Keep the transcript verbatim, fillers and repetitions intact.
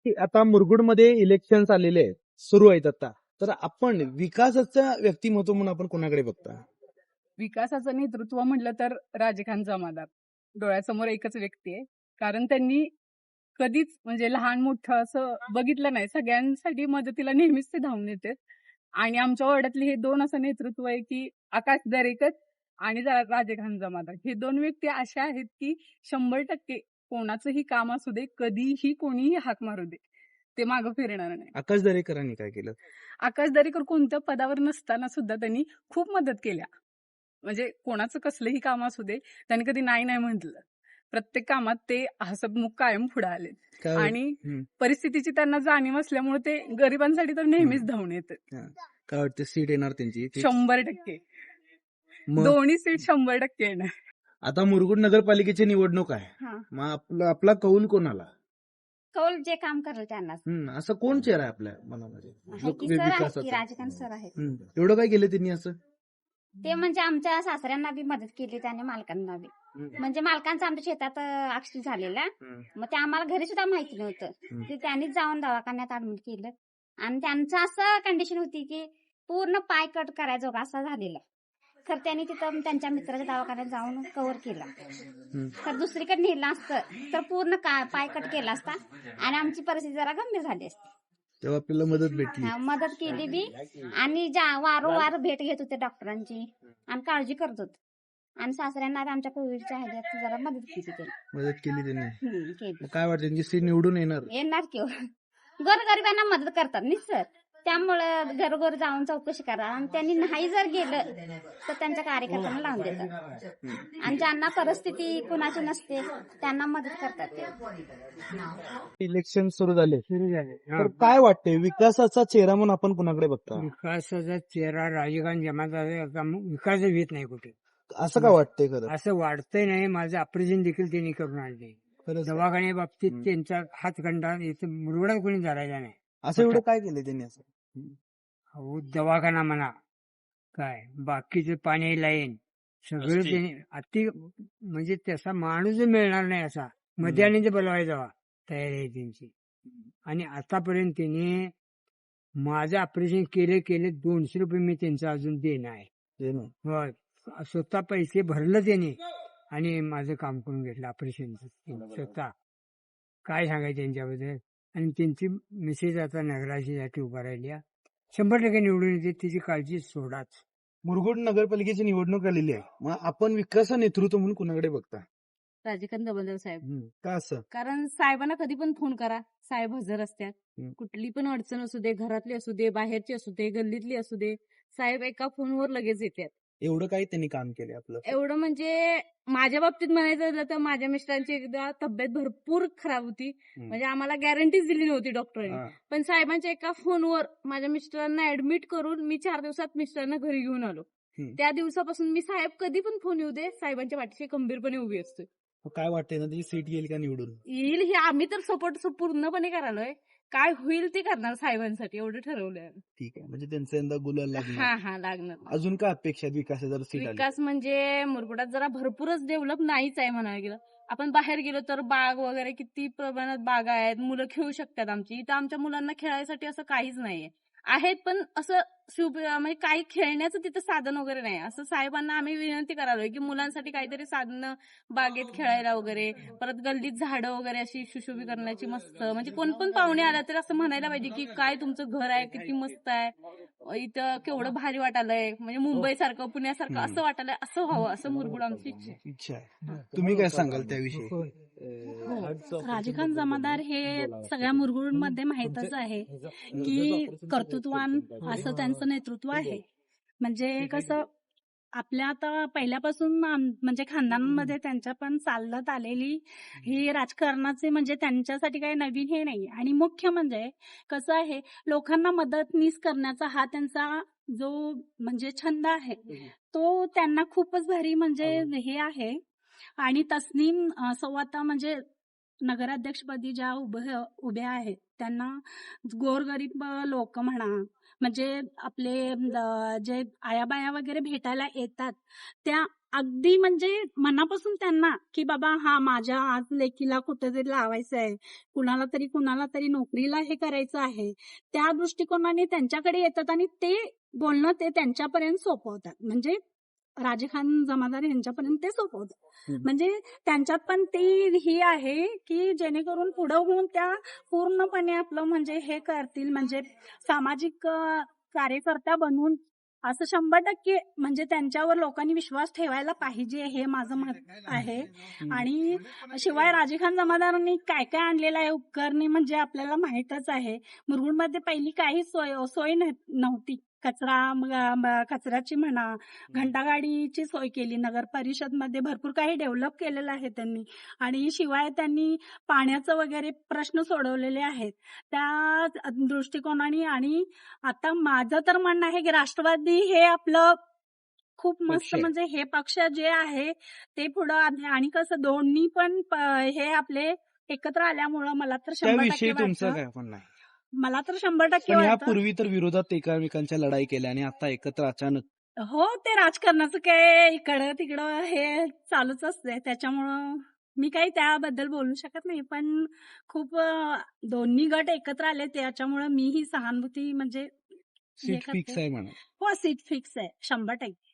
की आता मुरगुडमध्ये इलेक्शन्स आलेले आहेत, सुरू आहेत आता. तर आपण विकासाचं व्यक्तिमत्व म्हणून आपण कोणाकडे बघता? विकासाचं नेतृत्व म्हटलं तर राजखान जमादार डोळ्यासमोर एकच व्यक्ती आहे. कारण त्यांनी कधीच म्हणजे लहान मोठं असं बघितलं नाही. सगळ्यांसाठी मदतीला नेहमीच ते धावून येतात. आणि आमच्या वाड्यातले हे दोन असं नेतृत्व आहे की आकाश दरेकर आणि रा- राजखान जमादार हे दोन व्यक्ती अशा आहेत की शंभर टक्के कोणाचंही काम असू दे, कधीही कोणीही हाक मारू दे, ते मागं फिरणार नाही. आकाश दरेकरांनी काय केलं? आकाश दरेकर कोणत्या पदावर नसताना सुद्धा त्यांनी खूप मदत केल्या. म्हणजे कोणाचं कसलंही काम असू दे, त्यांनी कधी नाही नाही म्हटलं. प्रत्येक कामात ते हसतमुख कायम पुढे आले. काय आणि हम्म. परिस्थितीची त्यांना जाणीव असल्यामुळे ते गरिबांसाठी तर नेहमीच हम्म. धावून येतात. हा. काय वाटतं सीट येणार त्यांची fix? शंभर टक्के मग दोन्ही सीट शंभर टक्के येणार. आता मुरगुड नगरपालिकेची निवडणूक आहे, हा मग आपला आपला कौल कोणाला? कौल जे काम करेल त्यांनाच हम्म, असं कोण चेहरा आहे आपल्या मनामध्ये आहे जो की सर आहेत की विकासाचा? राजकांत सर आहेत. हम्म. एवढं काय केलं त्यांनी असं? ते म्हणजे आमच्या सासऱ्यांना बी मदत केली त्याने मालकांना बी. हम्म. म्हणजे मालकांचं आमच्या शेतात ऍक्सिडेंट झालेला, हम्म. मग ते आम्हाला घरी सुद्धा माहिती नव्हतं. हम्म. ते त्यांनीच जाऊन दवाखान्यात ऍडमिट केलं. आणि त्यांचं असं कंडिशन होती की पूर्ण पाय कट करायचो असा झालेला. तर त्यांनी तिथं त्यांच्या मित्राच्या दवाखान्यात जाऊन कव्हर केला. हम्म. तर दुसरीकडे नेलं असतं तर पूर्ण का- पाय कट केला असता आणि आमची परिस्थिती जरा गंभीर झाली असती. तेव्हा आपल्याला मदत भेटली. हा, मदत केली बी आणि ज्या वारंवार भेट घेत होते डॉक्टरांची आणि काळजी करत होते. आणि सासऱ्यांना बी आमच्या कोविडच्या ह्याच्यात जरा मदत केली त्यांनी. मदत केली त्यांनी. हम्म, केली. मग काय वाटतं त्यांची सीट निवडून येणार? येणार की गोरगरिबांना मदत करतात नि सर. त्यामुळं घरोघर जाऊन चौकशी करा आणि त्यांनी नाही जर गेलं तर त्यांच्या कार्यकर्त्यांना लावून देतात. आणि ज्यांना परिस्थिती कुणाची नसते त्यांना मदत करतात ते. इलेक्शन सुरू झाले, सुरू झाले. तर काय वाटतंय विकासाचा चेहरा म्हणून आपण कुणाकडे बघता? विकासाचा चेहरा राजकांत जमादार विकास येत नाही कुठे, असं का वाटतंय खरं? असं वाढतंय नाही. माझं ऑपरेशन देखील त्यांनी करून आणले. खरंच? दवाखान्या बाबतीत हम्म. त्यांचा हातखंडा इथं मुरगडात कोणी धरायला नाही. असं एवढं काय केलं त्यांनी असं? अहो, दवाखाना म्हणा, काय बाकीचं पाणी लाईन सगळं रस्ते. त्यांनी अति म्हणजे तसा माणूस मिळणार नाही असा मध्याने बोलवायचा तयारी आहे त्यांची. आणि आतापर्यंत त्यांनी माझं ऑपरेशन केले केले दोनशे रुपये मी त्यांचं अजून देणं आहे. ते ना. होय, स्वतः पैसे भरलं त्यांनी आणि माझं काम करून घेतलं ऑपरेशनचं स्वतः. काय सांगायचं त्यांच्याबद्दल. आणि त्यांची मिसेस आता नगराशीसाठी उभा राहिली. शंभर टक्के निवडून येते, तिची काळजी सोडाच. मुरगुड नगरपालिकेची निवडणूक आलेली आहे, मग आपण विकास नेतृत्व म्हणून कुणाकडे बघता? राजकांत जमादार साहेब. हम्म. का असं? कारण साहेबांना कधी पण फोन करा, साहेब हजर असतात. हम्म. कुठली पण अडचण असू दे, घरातली असू दे, बाहेरची असू दे, गल्लीतली असू दे, साहेब एका फोनवर लगेच येतात. एवढं काय त्यांनी काम केलं आपलं? एवढं म्हणजे माझ्या बाबतीत म्हणायचं झालं तर माझ्या मिस्टरांची एकदा तब्येत भरपूर खराब होती. हम्म. म्हणजे आम्हाला गॅरंटीच दिली नव्हती डॉक्टरांनी. हा. पण साहेबांच्या एका फोनवर माझ्या मिस्टरांना ऍडमिट करून मी चार दिवसात मिस्टरांना घरी घेऊन आलो. हम्म. त्या दिवसापासून मी साहेब कधी पण फोन येऊ दे, साहेबांच्या पाठीशी खंबीरपणे उभी असते. मग काय वाटतंय ना त्याची सीट येईल का निवडून? येईल हे आम्ही तर सपोर्ट पूर्णपणे करालोय. काय होईल ते करणार साहेबांसाठी एवढं ठरवलंय. ठीक आहे, म्हणजे त्यांचं यंदा गुलाल हा लागणार. हा लागणार. अजून काय अपेक्षा आहेत विकासाचा जर सीट आली? विकास म्हणजे मुरगुडात जरा भरपूरच डेव्हलप नाहीच आहे म्हणायला गेलं. आपण बाहेर गेलो तर बाग वगैरे किती प्रमाणात बागा आहेत, मुलं खेळू शकतात आमची. इथं आमच्या मुलांना खेळायसाठी असं काहीच नाहीये. आहेत पण असं शिव म्हणजे काही खेळण्याचं तिथं साधन वगैरे नाही. असं साहेबांना आम्ही विनंती करालोय की मुलांसाठी काहीतरी साधनं बागेत खेळायला वगैरे, परत गल्लीत झाडं वगैरे अशी सुशोभी करण्याची मस्त. म्हणजे कोण पण पाहुणे आला तर असं म्हणायला पाहिजे की काय तुमचं घर आहे, किती मस्त आहे, इथं केवढं भारी वाटायलंय, म्हणजे मुंबई सारखं पुण्यासारखं असं वाटायलंय. असं व्हावं असं मुरगुड आमची इच्छा आहे. इच्छा आहे. तुम्ही काय सांगाल त्याविषयी? राजखान जमादार हे सगळ्या मुरगुडमध्ये माहीतच आहे की कर्तृत्वान असं त्यांचं नेतृत्व आहे. म्हणजे कसं आपल्या आता पहिल्यापासून आम- म्हणजे खानदानामध्ये त्यांच्या पण चालत आलेली ही राजकारणाचे म्हणजे त्यांच्यासाठी काही नवीन हे नाही. आणि मुख्य म्हणजे कसं आहे लोकांना मदतनीस करण्याचा हा त्यांचा जो म्हणजे छंद आहे तो त्यांना खूपच भारी म्हणजे हे आहे. आणि तस्नीम अं, सव्वाता म्हणजे नगराध्यक्षपदी ज्या उभ्या उभ्या आहेत त्यांना गोरगरीब लोक म्हणा, म्हणजे आपले अं, जे आयाबाया वगैरे भेटायला येतात त्या अगदी म्हणजे मनापासून त्यांना की बाबा हा माझ्या आज लेकीला कुठेतरी लावायचं आहे, कुणाला तरी कुणाला तरी नोकरीला हे करायचं आहे, त्या दृष्टिकोनाने त्यांच्याकडे येतात आणि ते बोलणं ते त्यांच्यापर्यंत सोपवतात. म्हणजे राजे खान जमादार यांच्यापर्यंत ते सोपवतात. हम्म. म्हणजे त्यांच्यात पण ती ही आहे की जेणेकरून पुढं होऊन त्या पूर्णपणे आपलं म्हणजे हे करतील, म्हणजे सामाजिक अं, कार्यकर्ता बनवून असं शंभर टक्के म्हणजे त्यांच्यावर लोकांनी विश्वास ठेवायला पाहिजे हे माझं मत आहे. हम्म. आणि शिवाय राजे खान जमादारांनी काय काय आणलेलं आहे उपकरणे म्हणजे आपल्याला माहितच आहे. मुरगुडमध्ये पहिली काही सोय सोय न- नव्हती. कचरा म- म- कचऱ्याची म्हणा, घंटागाडीची सोय केली. नगर परिषदमध्ये भरपूर काही डेव्हलप केलेलं आहे त्यांनी. आणि शिवाय त्यांनी पाण्याचं वगैरे प्रश्न सोडवलेले आहेत त्या दृष्टिकोनाने. आणि आता माझं तर म्हणणं आहे की राष्ट्रवादी हे आपलं खूप मस्त पक्ष आहे. म्हणजे हे पक्ष जे आहे ते पुढं आले. आणि कसं दोन्ही पण प- हे आपले एकत्र आल्यामुळं मला तर शंभर त्याविषयी टक्के तुमचं वाटतं काय म्हणणं आहे? मला तर शंभर टक्के पण वाटतं यापूर्वी तर विरोधात एकमेकांच्या लढाई केल्या आणि आता एकत्र अचानक हो, ते राजकारणाचं काय इकडं तिकडं हे चालूच असते. त्याच्यामुळं मी काही त्याबद्दल बोलू शकत नाही. पण खूप अं, दोन्ही गट एकत्र आले त्याच्यामुळं मी ही सहानुभूती म्हणजे हे सीट फिक्स करते. आहे म्हणा. हो, सीट फिक्स आहे शंभर टक्के.